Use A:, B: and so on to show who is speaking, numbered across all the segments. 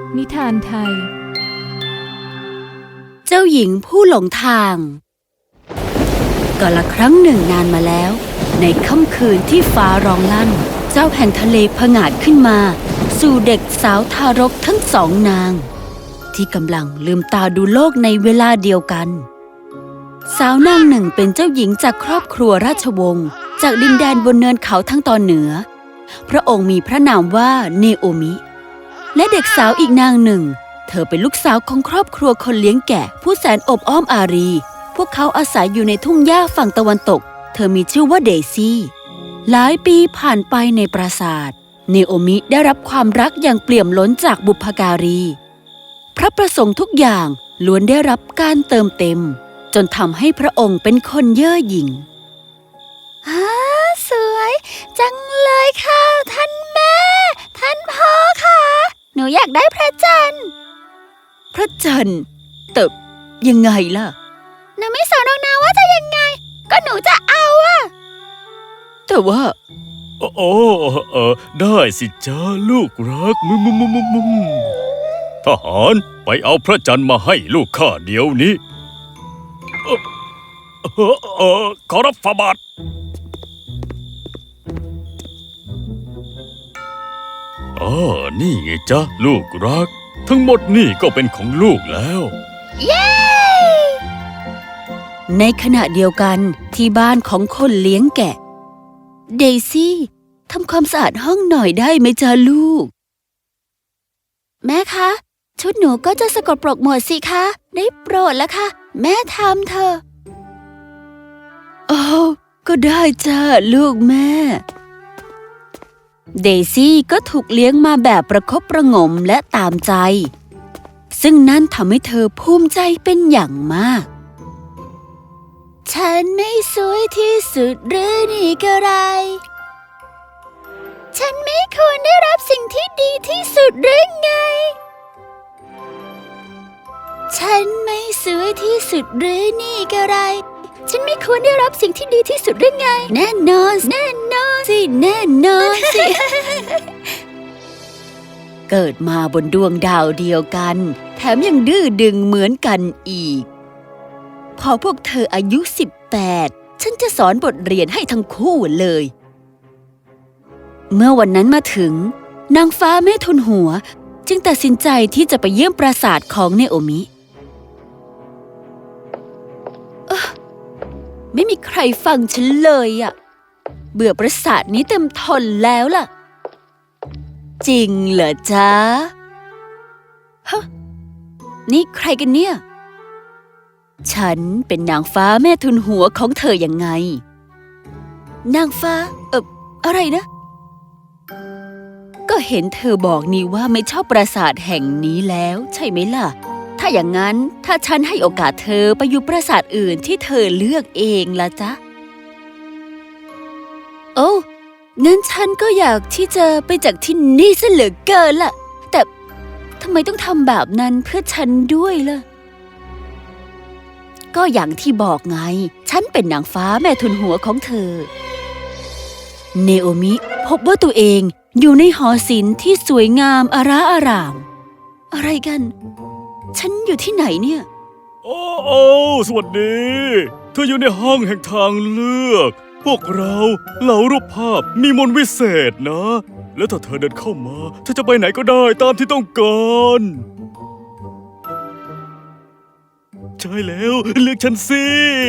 A: นิทานไทย
B: เจ้าหญิงผู้หลงทางกาลครั้งหนึ่งนานมาแล้วในค่ำคืนที่ฟ้าร้องลั่นเจ้าแห่งทะเลผงาดขึ้นมาสู่เด็กสาวทารกทั้งสองนางที่กำลังลืมตาดูโลกในเวลาเดียวกันสาวนางหนึ่งเป็นเจ้าหญิงจากครอบครัวราชวงศ์จากดินแดนบนเนินเขาทั้งตอนเหนือพระองค์มีพระนามว่าเนโอมิและเด็กสาวอีกนางหนึ่งเธอเป็นลูกสาวของครอบครัวคนเลี้ยงแกะผู้แสนอบอ้อมอารีพวกเขาอาศัยอยู่ในทุ่งหญ้าฝั่งตะวันตกเธอมีชื่อว่าเดซี่หลายปีผ่านไปในปราสาทเนโอมิได้รับความรักอย่างเปี่ยมล้นจากบุพการีพระประสงค์ทุกอย่างล้วนได้รับการเติมเต็มจนทำให้พระองค์เป็นคนเย่อหยิ่งสวยจังเลยค่ะท่านแม่ท่านพ่อค่ะหนูอยากได้พระจันทร์พระจันทร์แต่ยังไงล่ะหนูไม่สนหรอกนะว่าจะยังไงก็หนูจะเอาอะแต่ว่า
C: ได้สิจ้าลูกรักทหารไปเอาพระจันทร์มาให้ลูกข้าเดี๋ยวนี้ขอรับฝ่าบาทนี่ไงจ๊ะลูกรักทั้งหมดนี่ก็เป็นของลูกแล้ว
B: เย้ในขณะเดียวกันที่บ้านของคนเลี้ยงแกะเดซี่ทำความสะอาดห้องหน่อยได้ไหมจ๊ะลูกแม่คะชุดหนูก็จะสกปรกหมดสิคะได้โปรดแล้วค่ะแม่ทำเถอะก็ได้จ้าลูกแม่เดซี่ก็ถูกเลี้ยงมาแบบประคบประหงมและตามใจซึ่งนั่นทำให้เธอภูมิใจเป็นอย่างมากฉันไม่สวยที่สุดหรือนี่ก็ไรฉันไม่ควรได้รับสิ่งที่ดีที่สุดหรือไงฉันไม่สวยที่สุดหรือนี่ก็ไรฉันไม่ควรได้รับสิ่งที่ดีที่สุดหรือไงแน่นอนสิแน่นอนสิ เกิดมาบนดวงดาวเดียวกันแถมยังดื้อดึงเหมือนกันอีกพอพวกเธออายุ18ฉันจะสอนบทเรียนให้ทั้งคู่เลยเมื่อวันนั้นมาถึงนางฟ้าแม่ทุนหัวจึงตัดสินใจที่จะไปเยี่ยมปราสาทของเนโอมิไม่มีใครฟังฉันเลยอะเบื่อปราสาทนี้เต็มทนแล้วล่ะจริงเหรอจ๊ะฮะนี่ใครกันเนี่ยฉันเป็นนางฟ้าแม่ทุนหัวของเธอยังไงนางฟ้าอะไรนะก็เห็นเธอบอกนี่ว่าไม่ชอบปราสาทแห่งนี้แล้วใช่ไหมล่ะถ้าอย่างนั้นถ้าฉันให้โอกาสเธอไปอยู่ปราสาทอื่นที่เธอเลือกเองล่ะจ๊ะงั้นฉันก็อยากที่จะไปจากที่นี่ซะเหลือเกินล่ะแต่ทำไมต้องทำแบบนั้นเพื่อฉันด้วยล่ะก็อย่างที่บอกไงฉันเป็นนางฟ้าแม่ทุนหัวของเธอเนโอมิพบว่าตัวเองอยู่ในหอศิลป์ที่สวยงามอาราอารามอะไรกันฉันอยู่ที่ไหนเนี่ย
C: สวัสดีเธออยู่ในห้องแห่งทางเลือกพวกเราเหล่ารูปภาพมีมนต์วิเศษนะแล้วถ้าเธอเดินเข้ามาเธอจะไปไหนก็ได้ตามที่ต้องการใช่แล้วเลือกฉันสิ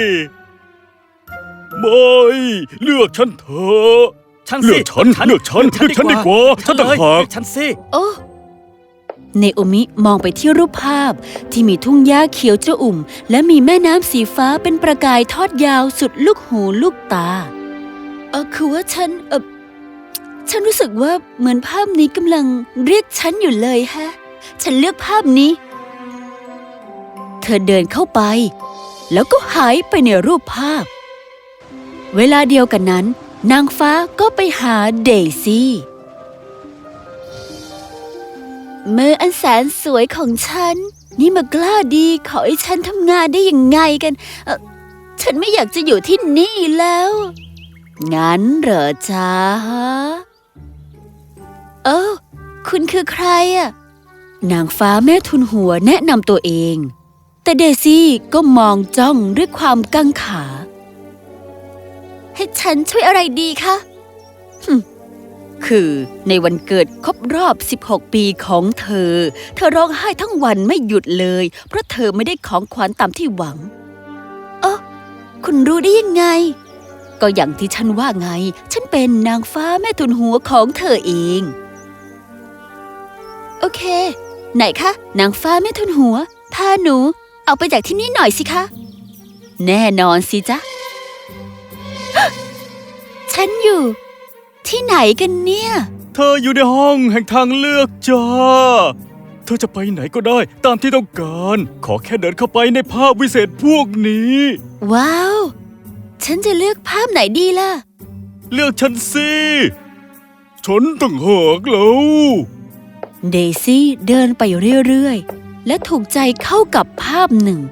C: ไม่เลือกฉันเถอะเลือกฉันดีกว่าฉันต่างหาก
B: ฉันสิเนโอมิมองไปที่รูปภาพที่มีทุ่งหญ้าเขียวจะอุ่มและมีแม่น้ำสีฟ้าเป็นประกายทอดยาวสุดลูกหูลูกตาคือว่าฉันรู้สึกว่าเหมือนภาพนี้กำลังเรียกฉันอยู่เลยฮะฉันเลือกภาพนี้เธอเดินเข้าไปแล้วก็หายไปในรูปภาพเวลาเดียวกันนั้นนางฟ้าก็ไปหาเดซี่มืออันแสนสวยของฉันนี่มากล้าดีขอให้ฉันทำงานได้ยังไงกันฉันไม่อยากจะอยู่ที่นี่แล้วงั้นเหรอจ๊ะคุณคือใครอะนางฟ้าแม่ทุนหัวแนะนำตัวเอง แต่เดซี่ก็มองจ้องด้วยความกังขาให้ฉันช่วยอะไรดีคะคือในวันเกิดครบรอบ 16 ปีของเธอร้องไห้ทั้งวันไม่หยุดเลยเพราะเธอไม่ได้ของขวัญตามที่หวังคุณรู้ได้ยังไงก็อย่างที่ฉันว่าไงฉันเป็นนางฟ้าแม่ทุนหัวของเธอเองโอเคไหนคะนางฟ้าแม่ทุนหัวพาหนูเอาไปจากที่นี่หน่อยสิคะแน่นอนสิจ๊ะ ฉันอยู่ที่ไหนกันเนี่ย
C: เธออยู่ในห้องแห่งทางเลือกจ้าเธอจะไปไหนก็ได้ตามที่ต้องการขอแค่เดินเข้าไปในภาพวิเศษพวกนี้
B: ว้าวฉันจะเลือกภาพไหนดีล่ะ
C: เลือกฉันสิฉันต่างหากแล้ว
B: เดซี่เดินไปเรื่อยๆและถูกใจเข้ากับภาพหนึ่ง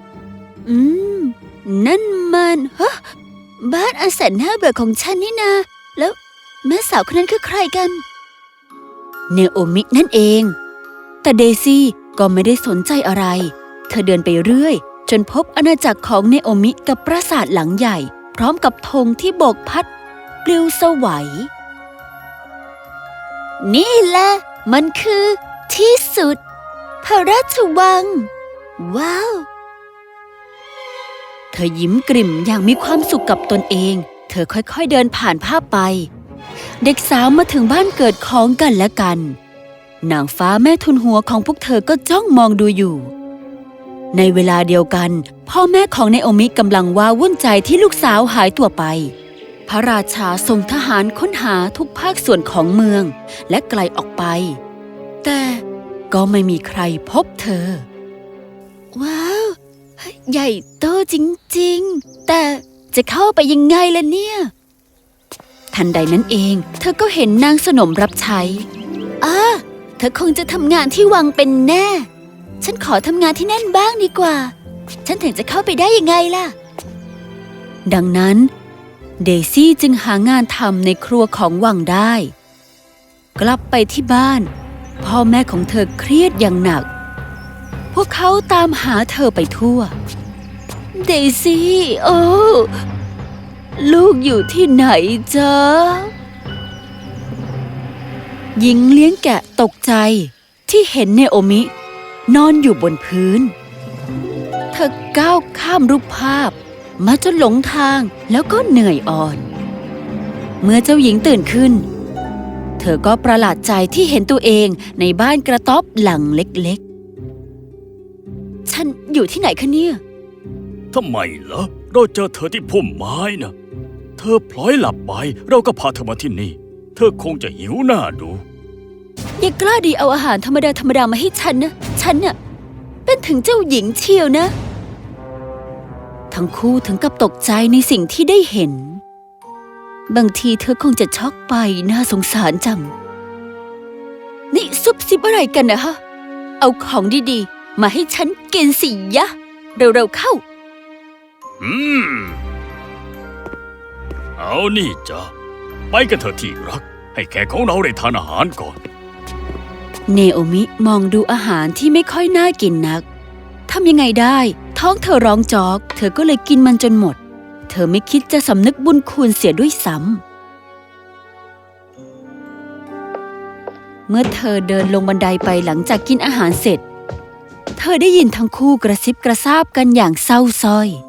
B: นั่นมันบ้านอันแสนน่าเบื่อของฉันนี่นาแล้วแม่สาวคนนั้นคือใครกันเนโอมินั่นเองแต่เดซี่ก็ไม่ได้สนใจอะไรเธอเดินไปเรื่อยจนพบอาณาจักรของเนโอมิกับปราสาทหลังใหญ่พร้อมกับธงที่โบกพัดปลิวสวัยนี่แหละมันคือที่สุดพระราชวังว้าวเธอยิ้มกริ่มอย่างมีความสุขกับตนเองเธอค่อยๆเดินผ่านภาพไปเด็กสาวมาถึงบ้านเกิดของกันและกันนางฟ้าแม่ทุนหัวของพวกเธอก็จ้องมองดูอยู่ในเวลาเดียวกันพ่อแม่ของเนโอมิกำลังว้าวุ่นใจที่ลูกสาวหายตัวไปพระราชาส่งทหารค้นหาทุกภาคส่วนของเมืองและไกลออกไปแต่ก็ไม่มีใครพบเธอว้าวใหญ่โตจริงๆแต่จะเข้าไปยังไงล่ะเนี่ยทันใดนั้นเองเธอก็เห็นนางสนมรับใช้เธอคงจะทำงานที่วังเป็นแน่ฉันขอทำงานที่นั่นบ้างดีกว่าฉันถึงจะเข้าไปได้ยังไงล่ะดังนั้นเดซี่จึงหางานทำในครัวของวังได้กลับไปที่บ้านพ่อแม่ของเธอเครียดอย่างหนักพวกเขาตามหาเธอไปทั่วเดซี่ลูกอยู่ที่ไหนจ๊ะหญิงเลี้ยงแกะตกใจที่เห็นเนโอมินอนอยู่บนพื้นเธอก้าวข้ามรูปภาพมาจนหลงทางแล้วก็เหนื่อยอ่อนเมื่อเจ้าหญิงตื่นขึ้นเธอก็ประหลาดใจที่เห็นตัวเองในบ้านกระต๊อบหลังเล็กๆฉันอยู่ที่ไหนคะเนี่ย
C: ทำไมล่ะเราเจอเธอที่พุ่มไม้นะเธอพลอยหลับไปเราก็พาเธอมาที่นี่เธอคงจะหิวหน้าดู
B: อย่ากล้าดีเอาอาหารธรรมดามาให้ฉันนะฉันน่ะเป็นถึงเจ้าหญิงเชียวนะทั้งคู่ถึงกับตกใจในสิ่งที่ได้เห็นบางทีเธอคงจะช็อกไปน่าสงสารจังนี่ซุบซิบอะไรกันนะฮะเอาของดีๆมาให้ฉันกินสิยะเร็วๆเข้า
C: เอานี่จ้ะไปกันเถอะที่รักให้แขกของเราได้ทานอาหารก่อน
B: เนโอมิมองดูอาหารที่ไม่ค่อยน่ากินนักทำยังไงได้ท้องเธอร้องจอกเธอก็เลยกินมันจนหมดเธอไม่คิดจะสำนึกบุญคุณเสียด้วยซ้ำเมื่อเธอเดินลงบันไดไปหลังจากกินอาหารเสร็จเธอได้ยินทั้งคู่กระซิบกระซาบกันอย่างเศร้าส้อย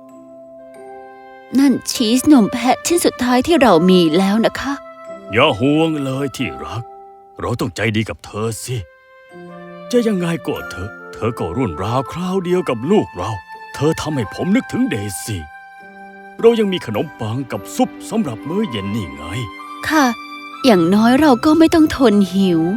B: นั่นชีสนมแพะชิ้นสุดท้ายที่เรามีแล้วนะคะ
C: อย่าห่วงเลยที่รักเราต้องใจดีกับเธอสิจะยังไงก็เธอก็รุ่นราวคราวเดียวกับลูกเราเธอทำให้ผมนึกถึงเดซี่เรายังมีขนมปังกับซุปสำหรับมื้อเย็นนี่ไง
B: ค่ะอย่างน้อยเราก็ไม่ต้องทนหิว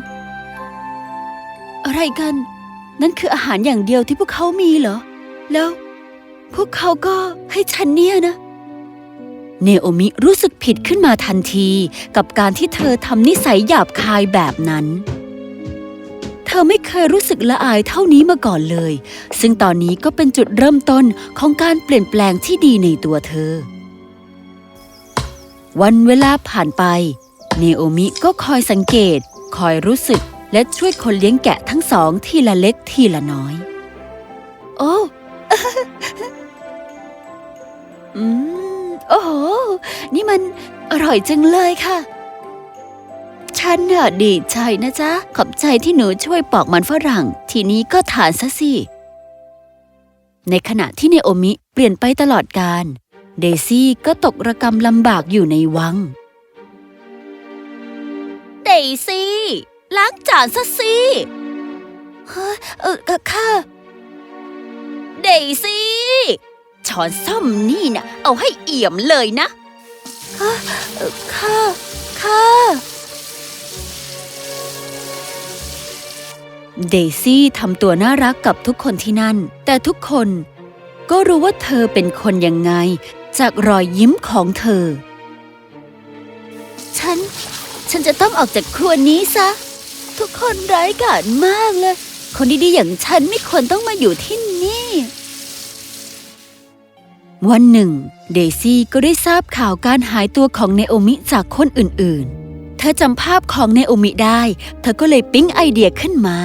B: อะไรกันนั่นคืออาหารอย่างเดียวที่พวกเขามีเหรอแล้วพวกเขาก็ให้ฉันเนี่ยนะเนโอมิรู้สึกผิดขึ้นมาทันทีกับการที่เธอทำนิสัยหยาบคายแบบนั้นเธอไม่เคยรู้สึกละอายเท่านี้มาก่อนเลยซึ่งตอนนี้ก็เป็นจุดเริ่มต้นของการเปลี่ยนแปลงที่ดีในตัวเธอวันเวลาผ่านไปเนโอมิก็คอยสังเกตคอยรู้สึกและช่วยคนเลี้ยงแกะทั้งสองทีละเล็กทีละน้อย โอ้ โอ้โห นี่มันอร่อยจังเลยค่ะ ฉันน่ะดีใจนะจ๊ะ ขอบใจที่หนูช่วยปอกมันฝรั่ง ทีนี้ก็ทานซะสิ ในขณะที่เนโอมิเปลี่ยนไปตลอดกาลเดซี่ก็ตกระกำลำบากอยู่ในวัง เดซี่ล้างจานซะสิค่ะ เดซี่ช้อนส้อมนี่นะเอาให้เอี่ยมเลยนะค่ะเดซี่ทำตัวน่ารักกับทุกคนที่นั่นแต่ทุกคนก็รู้ว่าเธอเป็นคนยังไงจากรอยยิ้มของเธอฉันจะต้องออกจากครัวนี้ซะทุกคนร้ายกาจมากเลยคนดีๆอย่างฉันไม่ควรต้องมาอยู่ที่นี่วันหนึ่งเดซี่ก็ได้ทราบข่าวการหายตัวของเนโอมิจากคนอื่นๆเธอจำภาพของเนโอมิได้เธอก็เลยปิ๊งไอเดียขึ้นมา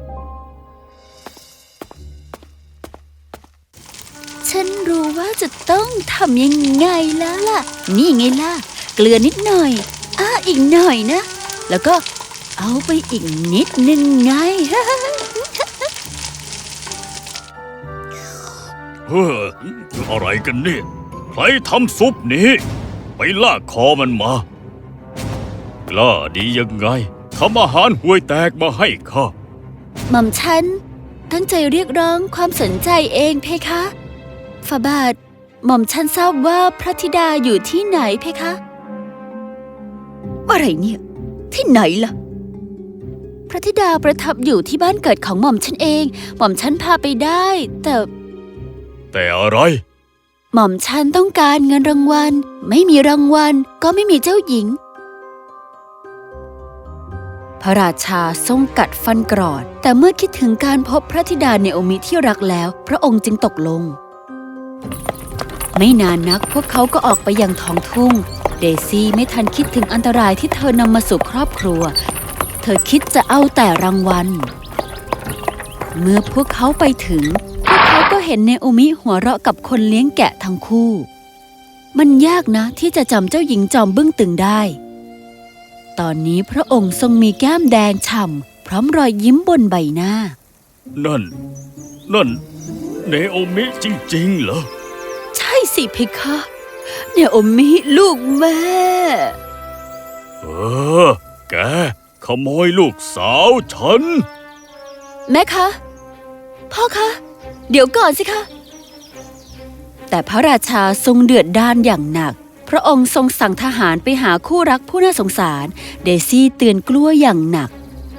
B: ฉันรู้ว่าจะต้องทำยังไงแล้วล่ะนี่ไงล่ะเกลือนิดหน่อยอีกหน่อยนะแล้วก็เอาไปอีกนิดนึงไง
C: อะไรกันเนี่ยใครทำซุปนี้ไปลากคอมันมากล้าดียังไงทำอาหารห่วยแตกมาให้ข้า
B: หม่อมฉันตั้งใจเรียกร้องความสนใจเองเพคะฝ่าบาทหม่อมฉันทราบว่าพระธิดาอยู่ที่ไหนเพคะอะไรเนี่ยที่ไหนล่ะพระธิดาประทับอยู่ที่บ้านเกิดของหม่อมฉันเองหม่อมฉันพาไปได้แต่
C: อะไร
B: หม่อมฉันต้องการเงินรางวัลไม่มีรางวัลก็ไม่มีเจ้าหญิงพระราชาทรงกัดฟันกรอดแต่เมื่อคิดถึงการพบพระธิดาเนโอมิที่รักแล้วพระองค์จึงตกลงไม่นานนักพวกเขาก็ออกไปยังท้องทุ่งเดซี่ไม่ทันคิดถึงอันตรายที่เธอนำมาสู่ครอบครัวเธอคิดจะเอาแต่รางวัลเมื่อพวกเขาไปถึงพวกเขาก็เห็นเนโอมิหัวเราะกับคนเลี้ยงแกะทั้งคู่มันยากนะที่จะจำเจ้าหญิงจอมบึ้งตึงได้ตอนนี้พระองค์ทรงมีแก้มแดงฉ่ำพร้อมรอยยิ้มบนใบหน้า
C: นั่นเนโอมิจริงๆเหรอ
B: ใช่สิเพคะเนโอมิลูกแม่
C: แกขโมยลูกสาวฉัน
B: แม่คะพ่อคะเดี๋ยวก่อนสิคะแต่พระราชาทรงเดือดด้านอย่างหนักพระองค์ทรงสั่งทหารไปหาคู่รักผู้น่าสงสารเดซี่เตือนกลัวอย่างหนัก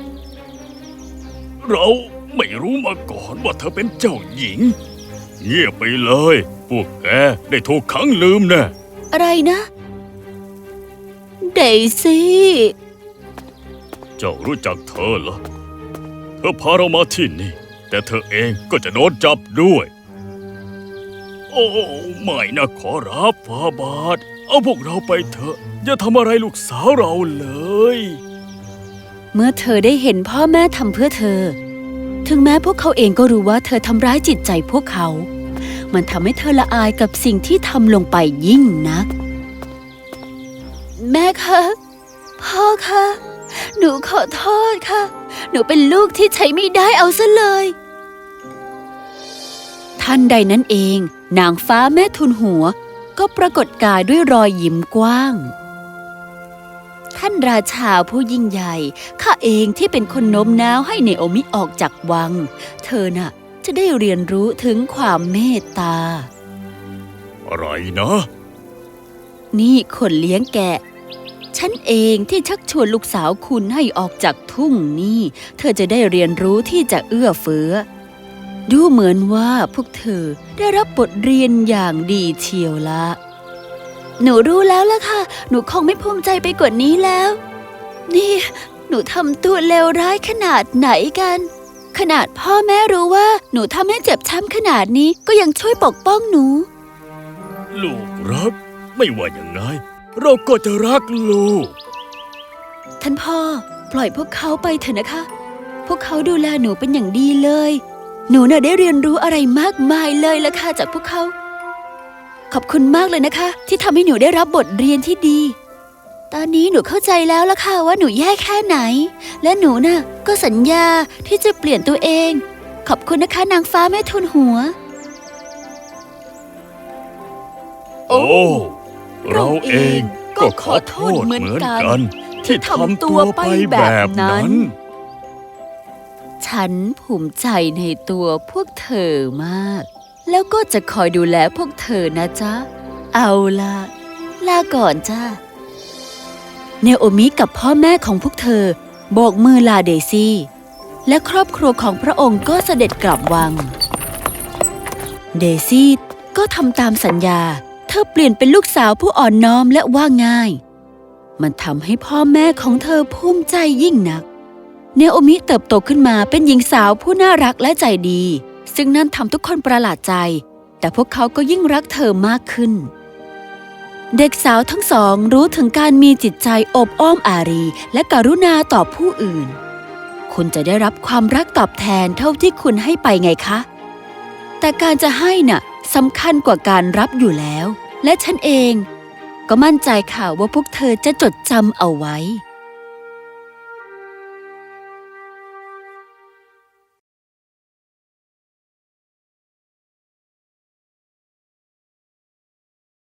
C: เราไม่รู้มาก่อนว่าเธอเป็นเจ้าหญิงเงียบไปเลยพวกแกได้ถูกขังลืมแน่
B: อะไรนะเดซี่
C: เจ้ารู้จักเธอเหรอเธอพาเรามาที่นี่แต่เธอเองก็จะโดนจับด้วยโอ้ไม่นะขอรับฟาบาทเอาพวกเราไปเถอะอย่าทำอะไรลูกสาวเราเลย
B: เมื่อเธอได้เห็นพ่อแม่ทำเพื่อเธอถึงแม้พวกเขาเองก็รู้ว่าเธอทำร้ายจิตใจพวกเขามันทำให้เธอละอายกับสิ่งที่ทำลงไปยิ่งนักแม่คะพ่อคะหนูขอโทษค่ะหนูเป็นลูกที่ใช้ไม่ได้เอาซะเลยทันใดนั้นเองนางฟ้าแม่ทุนหัวก็ปรากฏกายด้วยรอยยิ้มกว้างท่านราชาผู้ยิ่งใหญ่ข้าเองที่เป็นคนโน้มน้าวให้เนโอมิออกจากวังเธอน่ะจะได้เรียนรู้ถึงความเมตตา
C: อะไรนะ
B: นี่คนเลี้ยงแกะฉันเองที่ชักชวนลูกสาวคุณให้ออกจากทุ่งนี่เธอจะได้เรียนรู้ที่จะเอื้อเฟื้อดูเหมือนว่าพวกเธอได้รับบทเรียนอย่างดีเชียวละหนูรู้แล้วล่ะค่ะหนูคงไม่ภูมิใจไปกว่านี้แล้วนี่หนูทำตัวเลวร้ายขนาดไหนกันขนาดพ่อแม่รู้ว่าหนูทำให้เจ็บช้ำขนาดนี้ก็ยังช่วยปกป้องหนู
C: ลูกรักไม่ว่าอย่างไรเราก็จะรักลูก
B: ท่านพ่อปล่อยพวกเขาไปเถอะนะคะ พวกเขาดูแลหนูเป็นอย่างดีเลย หนูน่ะได้เรียนรู้อะไรมากมายเลยล่ะค่ะจากพวกเขา ขอบคุณมากเลยนะคะ ที่ทำให้หนูได้รับบทเรียนที่ดี ตอนนี้หนูเข้าใจแล้วล่ะค่ะว่าหนูแย่แค่ไหน และหนูน่ะก็สัญญาที่จะเปลี่ยนตัวเอง ขอบคุณนะคะนางฟ้าแม่ทุนหัว
C: โอ้ เราเองก็ขอโทษเหมือนกันที่ทำตัวไปแบบนั้น
B: ฉันภูมิใจในตัวพวกเธอมาก แล้วก็จะคอยดูแลพวกเธอนะจ๊ะ เอาล่ะ ลาก่อนจ้าเนโอมิกับพ่อแม่ของพวกเธอโบกมือลาเดซี่ และครอบครัวของพระองค์ก็เสด็จกลับวัง เดซี่ก็ทำตามสัญญา เธอเปลี่ยนเป็นลูกสาวผู้อ่อนน้อมและว่าง่าย มันทำให้พ่อแม่ของเธอภูมิใจยิ่งนัก เนโอมิเติบโตขึ้นมาเป็นหญิงสาวผู้น่ารักและใจดี ซึ่งนั่นทำทุกคนประหลาดใจ แต่พวกเขาก็ยิ่งรักเธอมากขึ้น เด็กสาวทั้งสองรู้ถึงการมีจิตใจอบอ้อมอารีและกรุณาต่อผู้อื่น คุณจะได้รับความรักตอบแทนเท่าที่คุณให้ไปไงคะ แต่การจะให้น่ะสำคัญกว่าการรับอยู่แล้ว และฉันเองก็มั่นใจค่ะว่าพวกเธอจะจดจำเอาไว้